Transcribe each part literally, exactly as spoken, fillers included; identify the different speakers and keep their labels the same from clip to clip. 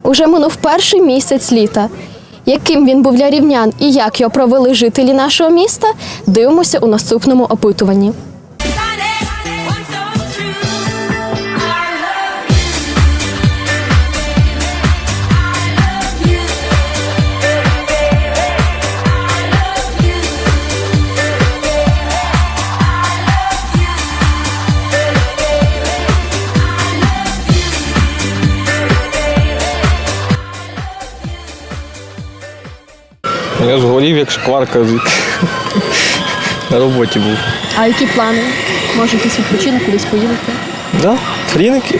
Speaker 1: Уже минув перший місяць літа. Яким він був для рівнян і як його провели жителі нашого міста, дивимося у наступному опитуванні.
Speaker 2: Я згорів, як шкварка, на роботі був.
Speaker 1: А які плани? Може, якийсь відпочинок, кудись поїдете?
Speaker 2: Так, да, Хріники.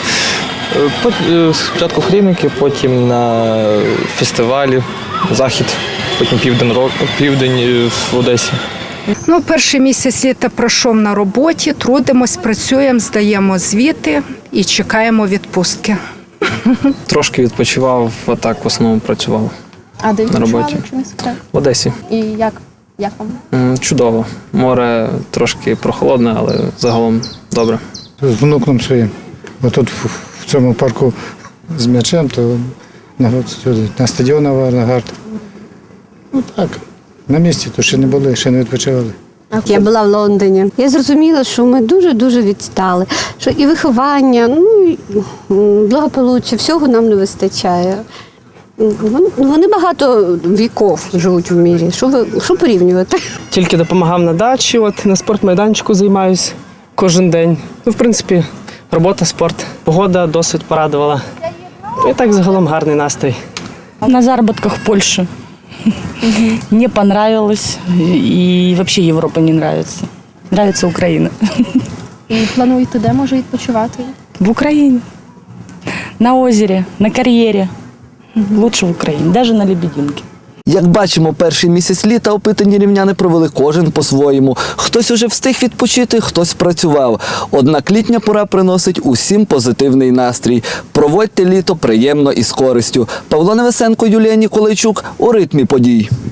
Speaker 2: Спочатку Хріники, потім на фестивалі, захід, потім південь, південь в Одесі.
Speaker 3: Ну, перший місяць літа пройшов на роботі, трудимось, працюємо, здаємо звіти і чекаємо відпустки.
Speaker 4: Трошки відпочивав, а так в основному працював.
Speaker 1: А де
Speaker 4: на роботі?
Speaker 1: якщо не секрет?
Speaker 4: В Одесі.
Speaker 1: І як? Як вам?
Speaker 4: М, Чудово. Море трошки прохолодне, але загалом добре.
Speaker 5: З внуком своїм. Бо тут в, в цьому парку з м'ячем, то на, на стадіон Авангард. Ну так, на місці, то ще не були, ще не відпочивали.
Speaker 6: Я була в Лондоні. Я зрозуміла, що ми дуже-дуже відстали. Що і виховання, ну, і благополуччя, всього нам не вистачає. Вони, вони багато віків живуть в мірі. Що, ви, що порівнювати?
Speaker 7: Тільки допомагав на дачі, от на спортмайданчику займаюся кожен день. Ну, в принципі, робота, спорт. Погода досить порадувала. І так загалом гарний настрій.
Speaker 8: На заработках в Польше. Не понравилось. И вообще Европа не нравится. Нравится Украина.
Speaker 1: І плануєте де, може, відпочивати?
Speaker 8: В Украине. На озере, на кар'єрі. Лучше в Україні, навіть на Лебединке.
Speaker 9: Як бачимо, перший місяць літа опитані рівняни провели кожен по-своєму. Хтось уже встиг відпочити, хтось працював. Однак літня пора приносить усім позитивний настрій. Проводьте літо приємно і з користю. Павло Невесенко, Юлія Ніколайчук у ритмі подій.